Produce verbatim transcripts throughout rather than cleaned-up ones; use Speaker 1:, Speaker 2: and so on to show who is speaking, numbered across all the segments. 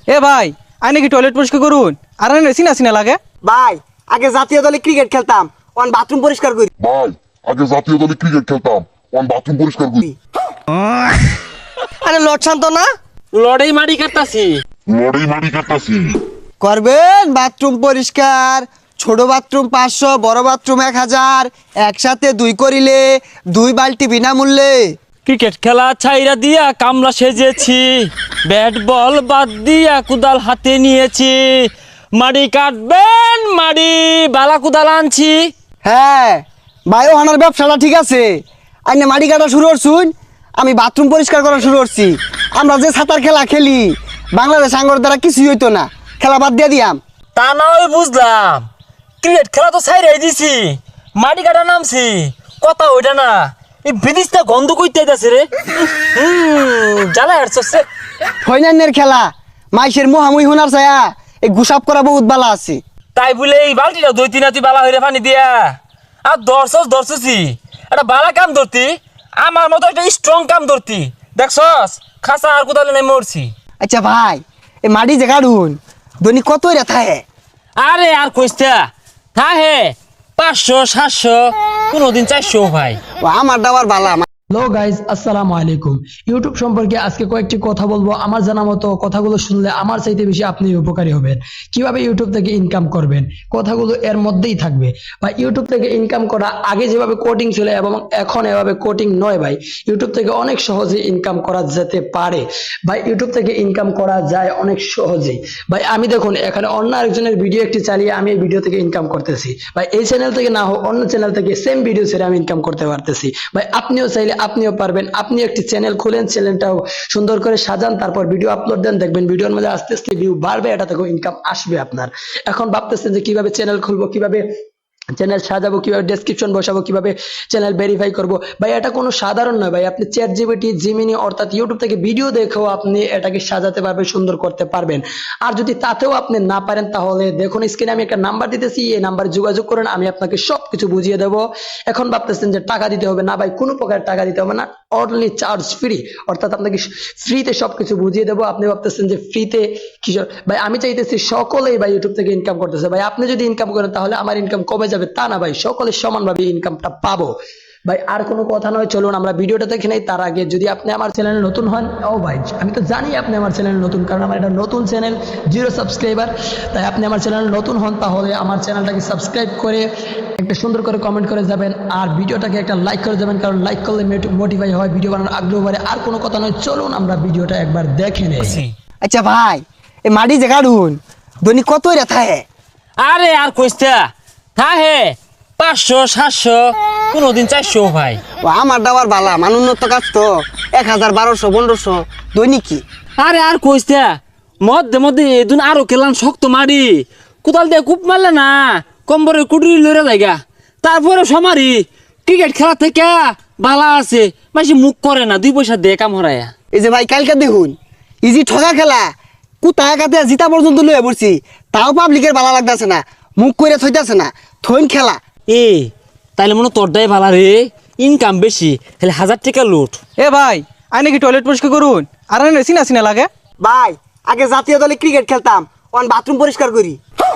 Speaker 1: এ ভাই আই নাকি টয়লেট পরিষ্কার করুন আর আনে সিনা সিনা লাগে
Speaker 2: ভাই আগে জাতীয় দলে ক্রিকেট খেলতাম অন বাথরুম পরিষ্কার করি।
Speaker 3: ভাই আগে জাতীয় দলে ক্রিকেট খেলতাম অন বাথরুম পরিষ্কার করি।
Speaker 4: আরে লট শান্ত না
Speaker 5: লড়াই মারি কাটতাছি
Speaker 3: লড়াই মারি কাটতাছি।
Speaker 2: করবেন বাথরুম পরিষ্কার, ছোট বাথরুম পাঁচশো, বড় বাথরুম এক হাজার, একসাথে দুই করিলে দুই বালতি বিনামূল্যে।
Speaker 5: ক্রিকেট খেলা ছাইরা দিয়া কামলা সেজেছি, ব্যাট বল বাদ দিয়া কুদাল হাতে নিয়েছি, মাড়ি কাটবেন মাড়ি বালা কুদাল আনছি।
Speaker 2: হ্যাঁ ভাই ওনার ব্যবসাটা ঠিক আছে, আইনে মাটি কাটা শুরু করছুন, আমি বাথরুম পরিষ্কার করা শুরু করছি। আমরা যে সাঁতার খেলা খেলি বাংলাদেশ আঙ্গর দ্বারা কিছুই হইতো না, খেলা বাদ দিয়ে দিয়াম।
Speaker 5: তা না হয় বুঝলাম, ক্রিকেট খেলা তো ছাইরাই দিছি, মাটি কাটা নামছি, কথা ওইটা না, এই বিদিশটা গন্ধ কইতে যাচ্ছে রে। হুম জ্বালা হাঁটছে।
Speaker 2: ফৈনান্যের খেলা মাইসের মোহামুই হোনার ছায়া এই গুসাপ করা বহুত বালা আছে।
Speaker 5: তাই বলে এই বালতিটা দুই তিন তুই বালা হইরে পানি দিয়া আর দর্শস দর্শসি একটা বালা কাম ধরতি, আমার মতো একটা স্ট্রং কাম ধরতি, দেখছস খাসা আর কোথাও নাই মরছি।
Speaker 2: আচ্ছা ভাই এই মাটি যে কাটুন দৈনিক কত রেথা হে?
Speaker 5: আরে আর কইস্তা থা হে পাঁচশো সাতশো কোনোদিন চারশো ভাই।
Speaker 2: ও আমার দাবার বালা।
Speaker 6: হ্যালো গাইজ, আসসালামু আলাইকুম। ইউটিউব সম্পর্কে আজকে কয়েকটি কথা বলবো। আমার জানা মতো কথাগুলো শুনলে আমার চাইতে বেশি আপনি উপকারী হবেন। কিভাবে ইউটিউব থেকে ইনকাম করবেন কথাগুলো এর মধ্যেই থাকবে। বা ইউটিউব থেকে ইনকাম করা আগে যেভাবে কোডিং ছিল এবং এখন এভাবে কোডিং নয় ভাই, ইউটিউব থেকে অনেক সহজে ইনকাম করা যেতে পারে ভাই। ইউটিউব থেকে ইনকাম করা যায় অনেক সহজেই ভাই। আমি দেখুন এখানে অন্য আরেকজনের ভিডিও একটি চালিয়ে আমি এই ভিডিও থেকে ইনকাম করতেছি ভাই। এই চ্যানেল থেকে না হোক অন্য চ্যানেল থেকে সেম ভিডিও ছেড়ে আমি ইনকাম করতে পারতেছি ভাই। আপনিও চাইলে আপনিও পারবেন। আপনি একটি চ্যানেল খুলেন, চ্যানেলটাও সুন্দর করে সাজান, তারপর ভিডিও আপলোড দেন, দেখবেন ভিডিওর মধ্যে আস্তে আস্তে ভিউ বাড়বে, এটা থেকেও ইনকাম আসবে আপনার। এখন ভাবতেছেন যে কিভাবে চ্যানেল খুলবো, কিভাবে চ্যানেল সাজাবো, কিভাবে ডেসক্রিপশন বসাবো, কিভাবে চ্যানেল ভেরিফাই করবো ভাই, এটা কোনো সাধারণ নয় ভাই। আপনি চ্যাট জিপিটি, জিমিনি অর্থাৎ ইউটিউব থেকে ভিডিও দেখেও আপনি এটাকে সাজাতে পারবেন, সুন্দর করতে পারবেন। আর যদি তাতেও আপনি না পারেন তাহলে দেখুন স্ক্রিনে আমি একটা নাম্বার দিতেছি, এই নাম্বারে যোগাযোগ করেন, আমি আপনাকে সব কিছু বুঝিয়ে দেবো। এখন ভাবতেছেন যে টাকা দিতে হবে, না ভাই কোনো প্রকার টাকা দিতে হবে না, অনলি চার্জ ফ্রি, অর্থাৎ আপনাকে ফ্রিতে সবকিছু বুঝিয়ে দেবো। আপনি ভাবতেছেন যে ফ্রিতে কিশোর ভাই, আমি চাইতেছি সকলেই ভাই ইউটিউব থেকে ইনকাম করতেছে ভাই। আপনি যদি ইনকাম করেন তাহলে আমার ইনকাম কমে যাবে তা না ভাই, সকলে সমানভাবে ইনকামটা পাবো ভাই। আর কোনো কথা নয়, চলুন আমরা ভিডিওটা দেখে নেই। তার আগে যদি আপনি আমার চ্যানেলে নতুন হন, ও ভাই আমি তো জানি আপনি আমার চ্যানেলে নতুন, কারণ আমার এটা নতুন চ্যানেল, জিরো সাবস্ক্রাইবার। তাই আপনি আমার চ্যানেলে নতুন হন তাহলে আমার চ্যানেলটাকে সাবস্ক্রাইব করে একটা সুন্দর করে কমেন্ট করে যাবেন, আর ভিডিওটাকে একটা লাইক করে যাবেন, কারণ লাইক করলে মোটিফাই হয়, ভিডিও বানানোর আগ্রহ বাড়ে। আর কোনো কথা নয়, চলুন আমরা ভিডিওটা একবার দেখে নেই।
Speaker 2: আচ্ছা ভাই এই মাটি যে কাটুন দৈনিক কত রেথা হে?
Speaker 5: আরে আর কইস্তা থা হে পাঁচশো সাতশো কোনোদিন চারশো ভাই।
Speaker 2: ও আমার দাবার বালা, মান উন্নত কাজ তো এক হাজার বারোশো পনেরোশো দৈনিক কি।
Speaker 5: আরে আর কইস্তা মধ্যে মধ্যে এদিন আরো কেলান শক্ত মারি কোদাল দিয়ে কূপ মারলে না কম্বরের কুটুরি লড়ে লাগা, তারপরে সমারি ক্রিকেট খেলা থেকে বালা আছে মাসি মুখ করে না, দুই পয়সা দিয়ে কাম হরায়া।
Speaker 2: এই যে ভাই কালকে দেখুন ইজি ঠগা খেলা কুতায় কাতে জিতা পর্যন্ত লয়ে পড়ছি, তাও পাবলিকের ভালো লাগতেছে না, মুখ করে থইতাছে না, থইন খেলা।
Speaker 5: এ তাইলে মনে তোরটাই ভালো রে, ইনকাম বেশি, তাহলে হাজার টাকা লুট।
Speaker 1: এ ভাই আই নাকি টয়লেট পরিষ্কার করুন আর আনে সিনা সিনা লাগে
Speaker 2: ভাই আগে জাতীয় দলে ক্রিকেট খেলতাম অন বাথরুম পরিষ্কার করি।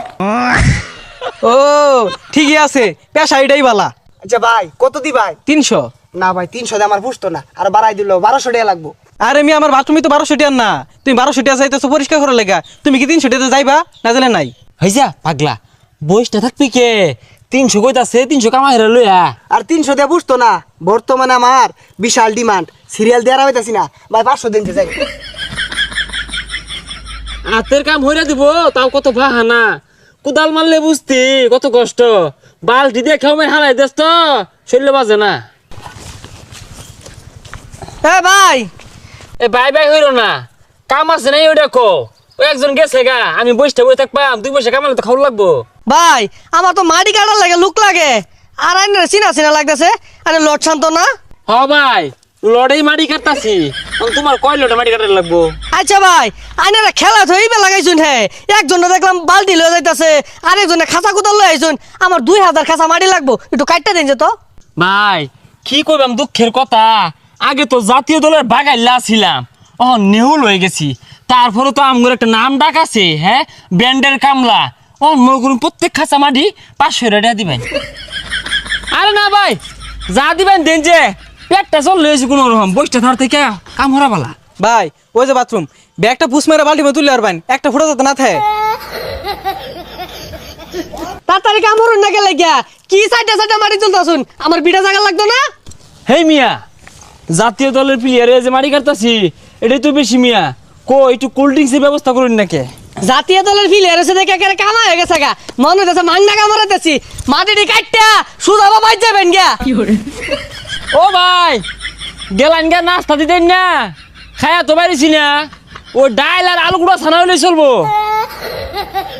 Speaker 1: ও ঠিকই আছে, পেশা এটাই বালা।
Speaker 2: আচ্ছা ভাই কত দি ভাই?
Speaker 1: তিনশো।
Speaker 2: না ভাই তিনশো দিয়ে আমার পুষতো না, আর বাড়াই দিল বারোশো টাকা লাগবো।
Speaker 1: আরে মি আমার বাথরুমে তো বারোশো টিয়ার না, তুমি বারোশো টিয়া চাইতেছো পরিষ্কার করার লেগা, তুমি কি তিনশো টিয়াতে যাইবা না জানে নাই?
Speaker 5: হয়েছা পাগলা বয়সটা থাকবি কে, তিনশো কইতাছে তিনশো কামাই রে লইয়া।
Speaker 2: আর তিনশো দিয়ে বুঝতো না, বর্তমানে আমার বিশাল ডিমান্ড, সিরিয়াল দেওয়ার হইতাছি না ভাই, পাঁচশো দিন যাই।
Speaker 5: হাতের কাম হইরা দিব তাও কত বাহানা, কুদাল মারলে বুঝতি কত কষ্ট, বালটি দিয়ে খেয়ে হারাই দেস তো শরীরে বাজে না।
Speaker 1: এ ভাই
Speaker 5: এ বাই বাই হইল না, কাম আছে নাই ওই দেখো, ওই একজন গেছে গা, আমি বসটা বই থাকবাম, দুই পয়সা কামালে তো খাওয়া লাগবো।
Speaker 4: ভাই আমার তো মাটি কাটার লাগে লুক লাগে, আর আইনে চিনা চিনা লাগতেছে। আরে লট শান্ত না
Speaker 5: হ ভাই লড়াই মাটি কাটতাছি, তোমার কয় লড়ে মাটি কাটার লাগবো?
Speaker 4: আচ্ছা ভাই আইনারা খেলা থইবে লাগাইছুন, হে একজনে দেখলাম বালতি লয়ে যাইতাছে, আরেকজনে খাঁচা কুদাল লয়ে আইছুন, আমার দুই হাজার খাঁচা মাটি লাগবো, একটু কাটটা দিন যে তো।
Speaker 5: ভাই কি কইবাম দুঃখের কথা, আগে তো জাতীয় দলের বাগাইলা ছিলাম, ও নেহুল হয়ে গেছি, তারপরে তো আমগুলো একটা নাম ডাক আছে, হ্যাঁ, ব্র্যান্ডের কামলা। ও মনে করুন প্রত্যেক খাঁচা মাটি পাঁচশো টাকা দিবেন। আরে না ভাই, যা দিবেন দেন, যে পেটটা চল লয়েছে কোনো রকম বইটা ধর থেকে কাম হরা বালা।
Speaker 1: ভাই ওই যে বাথরুম ব্যাগটা পুষ মেরে বাল্টি মধ্যে তুলে আর বাইন একটা ফুটা যাতে না থাকে।
Speaker 4: তাড়াতাড়ি কাম হরুন না গেলে গিয়া কি সাইডে সাইডে মাটি তুলতাছুন, আমার বিটা জায়গা লাগতো না?
Speaker 5: হেই মিয়া, জাতীয় দলের প্লেয়ারে যে মারি কাটতাছি এটাই তো বেশি মিয়া। কো একটু কোল্ড ড্রিঙ্কসের ব্যবস্থা করুন নাকি?
Speaker 4: জাতীয় দলের ফিলিয়ার এসে দেখে একেবারে কামা হয়ে গেছে গা, মনে হইতেছে মাংনা কামড়াইতেছি, মাটিটি কাটটা সুদা বাবাই যাবেন গিয়া।
Speaker 5: ও ভাই, গেলান গা নাস্তা দিতেন না, খায়া তো পারিছি না, ও ডাইল আর আলু গুঁড়া ছানা হলে চলবো।